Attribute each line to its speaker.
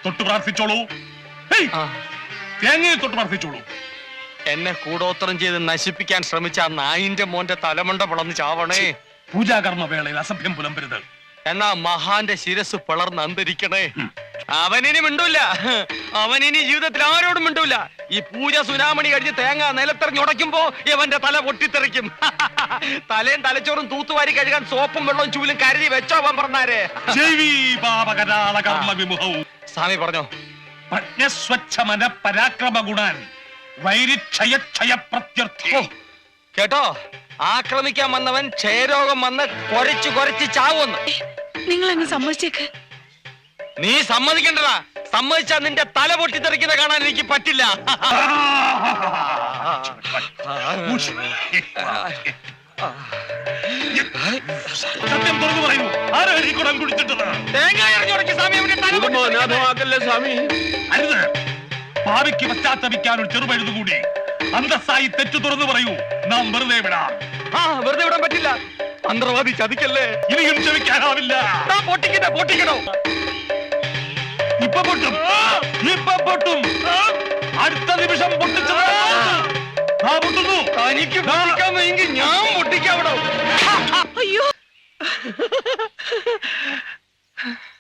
Speaker 1: തൊട്ട് പ്രാർത്ഥിച്ചോളൂ. തേങ്ങയെ തൊട്ട് പ്രാർത്ഥിച്ചോളൂ.
Speaker 2: എന്നെ കൂടോത്രം ചെയ്ത് നശിപ്പിക്കാൻ ശ്രമിച്ച ആ നായിന്റെ മോന്റെ തലമുണ്ട പിളർന്ന് ചാവണേ.
Speaker 1: പൂജാകർമ്മ വേളയിൽ അസഭ്യം പുലമ്പരുത്.
Speaker 2: എന്നാ മഹാന്റെ ശിരസ് പിളർന്ന് അന്തരിക്കണേ. അവനിനി മിണ്ടൂല, അവനിനി ജീവിതത്തിൽ ആരോടും മിണ്ടൂല. ഈ പൂജ സുനാമണി കഴിഞ്ഞ് തേങ്ങ നിലത്തെറിഞ്ഞുടയ്ക്കുമ്പോ ഇവന്റെ തല പൊട്ടിത്തെറിക്കും. തലയും തലച്ചോറും തൂത്തുവാരി കഴുകാൻ സോപ്പും വെള്ളവും ചൂലും കരുതി വെച്ചോ അവൻ പറഞ്ഞാരേ. സ്വാമി പറഞ്ഞോ.
Speaker 1: പ്രജ്ഞസ്വച്ഛമന പരാക്രമ ഗുണാൻ വൈരിക്ഷയ പ്രത്യർത്ഥി.
Speaker 2: കേട്ടോ, ആക്രമിക്കാൻ വന്നവൻ ക്ഷയരോഗം വന്ന് കൊരച്ചു കൊരച്ച് ചാവുമെന്ന്.
Speaker 3: നിങ്ങൾ അങ്ങ് സമ്മതിച്ചേക്ക്.
Speaker 2: നീ സമ്മതിക്കണ്ടടാ. സമ്മതിച്ചാ നിന്റെ തല പൊട്ടിത്തെറിക്കുന്ന കാണാൻ എനിക്ക് പറ്റില്ല.
Speaker 1: സത്യം തുറന്നു പറയൂ, ആരാ ഈ കുടം കുടിച്ചിട്ടത്?
Speaker 2: തേങ്ങ ഇറങ്ങിയുടക്കി സ്വാമി.
Speaker 1: അരുത്. ഭാവിക്ക് പശ്ചാത്തപിക്കാൻ ഒരു ചെറുപഴുതു കൂടി. അന്തസ്സായി തെറ്റു തുറന്നു പറയൂ, നാം വെറുതെ വിടാം.
Speaker 2: വെറുതെ വിടാൻ പറ്റില്ല. മന്ത്രവാദി ചതിക്കല്ലേ.
Speaker 1: ഇനിയും ക്ഷമിക്കാനാവില്ല.
Speaker 2: പൊട്ടിക്കണോ?
Speaker 1: ഇപ്പൊ പൊട്ടും, ഇപ്പൊ പൊട്ടും. അടുത്ത നിമിഷം പൊട്ടിച്ചത് പൊട്ടുന്നു.
Speaker 2: തനിക്ക് പൊട്ടിക്കാമെങ്കിൽ ഞാൻ പൊട്ടിക്കാവിടോ.
Speaker 3: അയ്യോ